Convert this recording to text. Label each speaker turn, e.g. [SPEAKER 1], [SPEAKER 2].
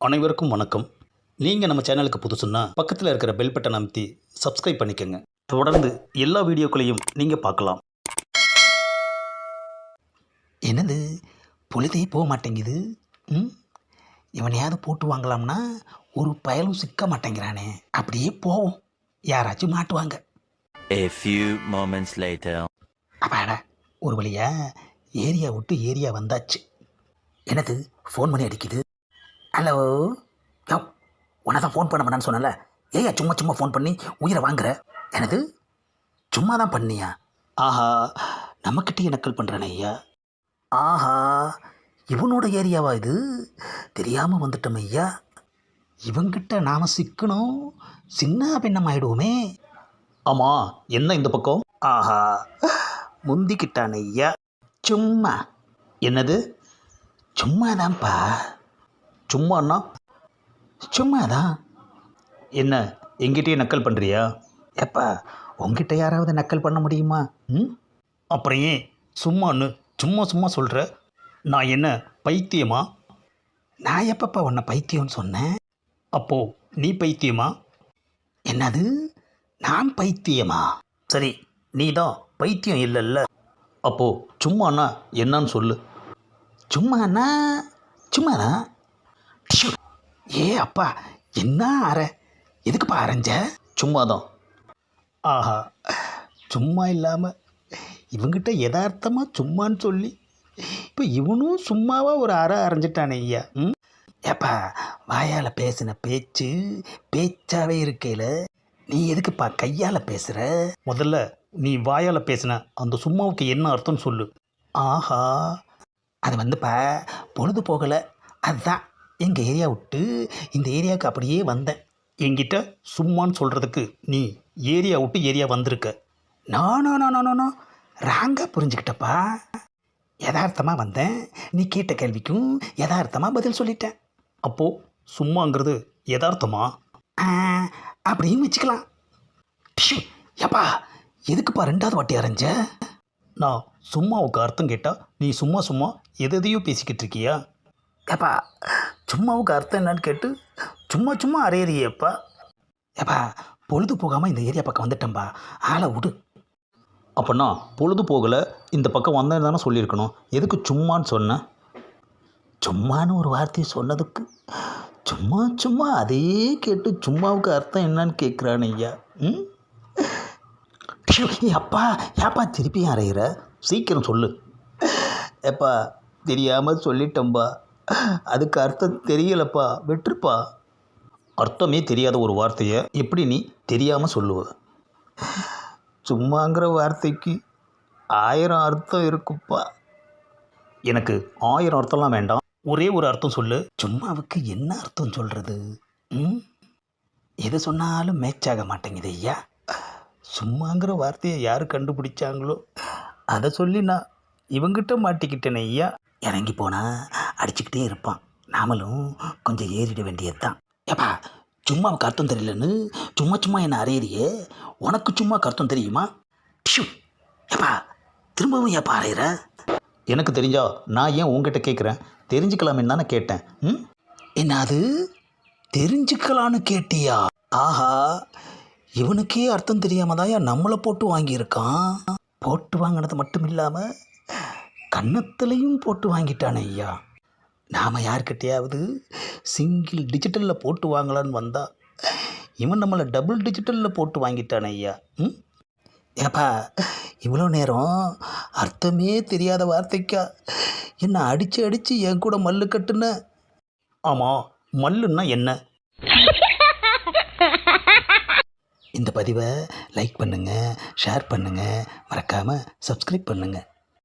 [SPEAKER 1] அனைவருக்கும் வணக்கம். நீங்கள் நம்ம சேனலுக்கு புதுசுன்னா பக்கத்தில் இருக்கிற பெல் பட்டன் அமைத்தி சப்ஸ்கிரைப் பண்ணிக்கோங்க. தொடர்ந்து எல்லா வீடியோக்களையும் நீங்கள் பார்க்கலாம்.
[SPEAKER 2] என்னது பொழுதே போக மாட்டேங்குது. இவனையாவது போட்டு வாங்கலாம்னா ஒரு பயலும் சிக்க மாட்டேங்கிறானே. அப்படியே போவோம், யாராச்சும் மாட்டுவாங்க.
[SPEAKER 3] A few moments later.
[SPEAKER 2] அப்பாடா, ஒரு வழியா ஏரியா விட்டு ஏரியா வந்தாச்சு. என்னது ஃபோன் பண்ணி அடிக்குது. ஹலோ, யோ, உன்னை தான் ஃபோன் பண்ண பண்ணான்னு சொன்னல. ஏயா சும்மா சும்மா ஃபோன் பண்ணி உயிரை வாங்குற? எனது சும்மா தான் பண்ணியா? ஆஹா, நம்மக்கிட்டே நக்கல் பண்ணுறானே ஐயா. ஆஹா, இவனோட ஏரியாவா இது? தெரியாமல் வந்துட்டோம் ஐயா. இவங்கிட்ட நாம் சிக்கணும், சின்ன பின்னம் ஆயிடுவோமே.
[SPEAKER 1] ஆமாம், என்ன இந்த பக்கம்?
[SPEAKER 2] ஆஹா, முந்திக்கிட்டான் ஐயா. சும்மா.
[SPEAKER 1] என்னது
[SPEAKER 2] சும்மாதான்ப்பா.
[SPEAKER 1] சும்மாண்ணா?
[SPEAKER 2] சும்மாதான்.
[SPEAKER 1] என்ன எங்கிட்டே நக்கல் பண்ணுறியா?
[SPEAKER 2] எப்பா, உங்ககிட்ட யாராவது நக்கல் பண்ண முடியுமா?
[SPEAKER 1] அப்புறம் ஏன் சும்மான்னு சும்மா சும்மா சொல்கிற? நான் என்ன பைத்தியமா?
[SPEAKER 2] நான் எப்பப்பா உன்னை பைத்தியம்னு சொன்னேன்?
[SPEAKER 1] அப்போ நீ பைத்தியமா?
[SPEAKER 2] என்னது, நான் பைத்தியமா?
[SPEAKER 1] சரி, நீ தான் பைத்தியம் இல்லைல்ல. அப்போது சும்மாண்ணா என்னன்னு சொல்லு.
[SPEAKER 2] சும்மாண்ணா சும்மாதான். டிஷு. ஏ அப்பா, என்ன அற? எதுக்குப்பா அரைஞ்ச?
[SPEAKER 1] சும்மாதான்.
[SPEAKER 2] ஆஹா, சும்மா இல்லாமல் இவங்கிட்ட யதார்த்தமாக சும்மான்னு சொல்லி இப்போ இவனும் சும்மாவாக ஒரு அரை அரைஞ்சிட்டானே ஐயா. ஏப்பா, வாயால் பேசின பேச்சு பேச்சாவே இருக்கையில் நீ எதுக்குப்பா கையால் பேசுகிற?
[SPEAKER 1] முதல்ல நீ வாயால் பேசின அந்த சும்மாவுக்கு என்ன அர்த்தம் சொல்லு.
[SPEAKER 2] ஆஹா, அது வந்துப்பா பொழுது போகலை, அதுதான் எங்கள் ஏரியா விட்டு இந்த ஏரியாவுக்கு அப்படியே வந்தேன்.
[SPEAKER 1] என்கிட்ட சும்மான்னு சொல்கிறதுக்கு நீ ஏரியா விட்டு ஏரியா வந்திருக்க.
[SPEAKER 2] நானோ ராங்காக புரிஞ்சுக்கிட்டப்பா. யதார்த்தமாக வந்தேன், நீ கேட்ட கேள்விக்கும் யதார்த்தமாக பதில் சொல்லிட்டேன்.
[SPEAKER 1] அப்போது சும்மாங்கிறது யதார்த்தமா?
[SPEAKER 2] அப்படியும் வச்சுக்கலாம். டிஷு. ஏப்பா, எதுக்குப்பா ரெண்டாவது வாட்டி அரைஞ்ச?
[SPEAKER 1] நான் சும்மாவுக்கு அர்த்தம் கேட்டால் நீ சும்மா சும்மா எதையோ பேசிக்கிட்டு இருக்கியா?
[SPEAKER 2] ஏப்பா, சும்மாவுக்கு அர்த்தம் என்னன்னு கேட்டு சும்மா சும்மா அரையிறியப்பா. ஏப்பா, பொழுது போகாமல் இந்த ஏரியா பக்கம் வந்துட்டேன்பா, ஆளை விடு.
[SPEAKER 1] அப்போனா பொழுது போகலை, இந்த பக்கம் வந்தேன்னு தானே சொல்லியிருக்கணும். எதுக்கு சும்மான்னு சொன்னேன்?
[SPEAKER 2] சும்மான்னு ஒரு வார்த்தையை சொன்னதுக்கு சும்மா சும்மா அதே கேட்டு சும்மாவுக்கு அர்த்தம் என்னன்னு கேட்குறான் ஐயா. அப்பா, ஏப்பா திருப்பியும் அறையிற?
[SPEAKER 1] சீக்கிரம் சொல்லு.
[SPEAKER 2] ஏப்பா, தெரியாமல் சொல்லிட்டோம்பா, அதுக்கு அர்த்தம் தெரியலப்பா, விட்டுருப்பா.
[SPEAKER 1] அர்த்தமே தெரியாத ஒரு வார்த்தையை எப்படி நீ தெரியாமல் சொல்லுவ?
[SPEAKER 2] சும்மாங்கிற வார்த்தைக்கு 1000 அர்த்தம் இருக்குப்பா.
[SPEAKER 1] எனக்கு 1000 அர்த்தம்லாம் வேண்டாம், ஒரே ஒரு அர்த்தம் சொல்லு.
[SPEAKER 2] சும்மாவுக்கு என்ன அர்த்தம் சொல்கிறது? எது சொன்னாலும் மேட்சாக மாட்டேங்குது ஐயா. சும்மாங்கிற வார்த்தையை யார் கண்டுபிடிச்சாங்களோ அதை சொல்லி நான் இவங்கிட்ட மாட்டிக்கிட்டேனே ஐயா. இறங்கி போனால் அடிச்சுக்கிட்டே இருப்பான், நாமளும் கொஞ்சம் ஏறிட வேண்டியது தான். ஏப்பா, சும்மாவுக்கு அர்த்தம் தெரியலன்னு சும்மா சும்மா என்ன அறையிறியே, உனக்கு சும்மா அர்த்தம் தெரியுமா? டிஷு. ஏப்பா, திரும்பவும் ஏப்பா அறையிற?
[SPEAKER 1] எனக்கு தெரிஞ்சா நான் ஏன் உங்ககிட்ட கேட்குறேன்? தெரிஞ்சுக்கலாமே தானே கேட்டேன்.
[SPEAKER 2] என்ன அது தெரிஞ்சுக்கலான்னு கேட்டியா? ஆஹா, இவனுக்கே அர்த்தம் தெரியாம தான் நம்மளை போட்டு வாங்கியிருக்கான். போட்டு வாங்கினது மட்டும் இல்லாமல் கன்னத்துலேயும் போட்டு வாங்கிட்டானே ஐயா. நாம் யார்கிட்டையாவது சிங்கிள் டிஜிட்டலில் போட்டு வாங்கலான்னு வந்தால் இவன் நம்மளை டபுள் டிஜிட்டலில் போட்டு வாங்கிட்டானே ஐயா. ஏப்பா, இவ்வளோ நேரம் அர்த்தமே தெரியாத வார்த்தைக்கா என்னை அடித்து என் கூட மல்லு கட்டுன?
[SPEAKER 1] ஆமாம், மல்லுன்னா என்ன?
[SPEAKER 2] இந்த பதிவை லைக் பண்ணுங்கள், ஷேர் பண்ணுங்கள், மறக்காமல் சப்ஸ்கிரைப் பண்ணுங்கள்.